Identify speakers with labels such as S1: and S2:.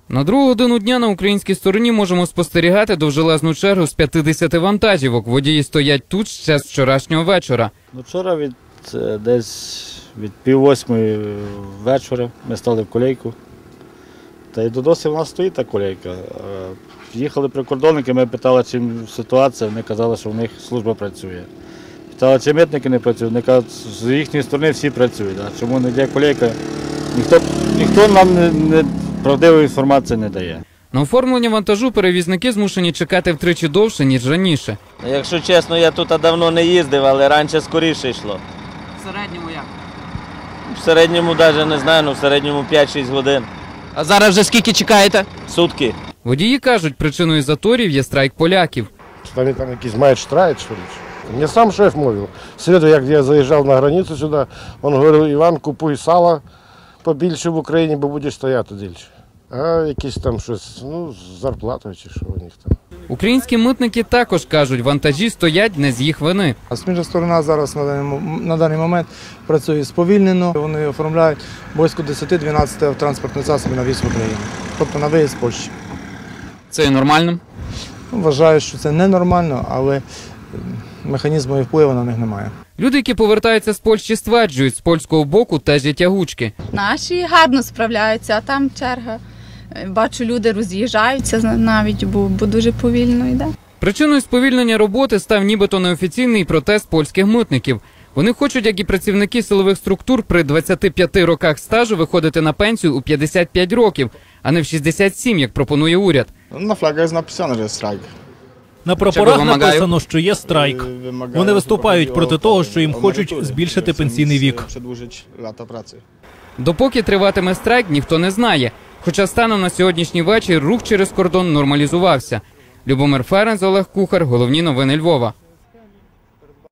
S1: На другу годину дня на українській стороні можемо спостерігати довжелезну чергу з 50 вантажівок. Водії стоять тут ще з вчорашнього вечора.
S2: Вчора десь від 7:30 вечора ми стали в колейку. Та й досі в нас стоїть та колейка. Їхали прикордонники, ми питали, чим ситуація, вони казали, що в них служба працює. Питали, чи митники не працюють, вони кажуть, з їхньої сторони всі працюють. А чому не йде колейка, ніхто нам правдивої інформації не дає.
S1: На оформлення вантажу перевізники змушені чекати втричі довше, ніж раніше.
S3: Якщо чесно, я тут давно не їздив, але раніше скоріше йшло.
S1: В середньому як?
S3: В середньому навіть не знаю, в середньому 5-6 годин.
S1: А зараз вже скільки чекаєте?
S3: Сутки.
S1: Водії кажуть, причиною заторів є страйк поляків.
S4: Вони там якісь мають страйк, що ли? Мені сам шеф мовив. В середу, як я заїжджав на границю сюди, він говорив, Іван, купуй сало побільше в Україні, бо будеш стояти більше. А якісь там щось, з зарплатою чи що у них там.
S1: Українські митники також кажуть, вантажі стоять не з їх вини.
S5: Сміжна сторона зараз на даний момент працює сповільнено. Вони оформляють близько 10-12 транспортних засобів на в'їзд в Україну, тобто на виїзд з Польщі.
S1: Це є нормальним?
S5: Вважаю, що це ненормально, але механізму і впливу на них немає.
S1: Люди, які повертаються з Польщі, стверджують, з польського боку теж є тягучки.
S6: Наші гарно справляються, а там черга. Бачу, люди роз'їжджаються навіть, бо дуже повільно йде.
S1: Причиною сповільнення роботи став нібито неофіційний протест польських митників. Вони хочуть, як і працівники силових структур, при 25 роках стажу виходити на пенсію у 55 років, а не в 67, як пропонує уряд.
S7: На флагах написано, що страйк.
S8: На прапорах написано, що є страйк. Вони виступають проти того, що їм хочуть збільшити пенсійний вік.
S1: Допоки триватиме страйк, ніхто не знає. Хоча станом на сьогоднішній вечір рух через кордон нормалізувався. Любомир Ференц, Олег Кухар. Головні новини Львова.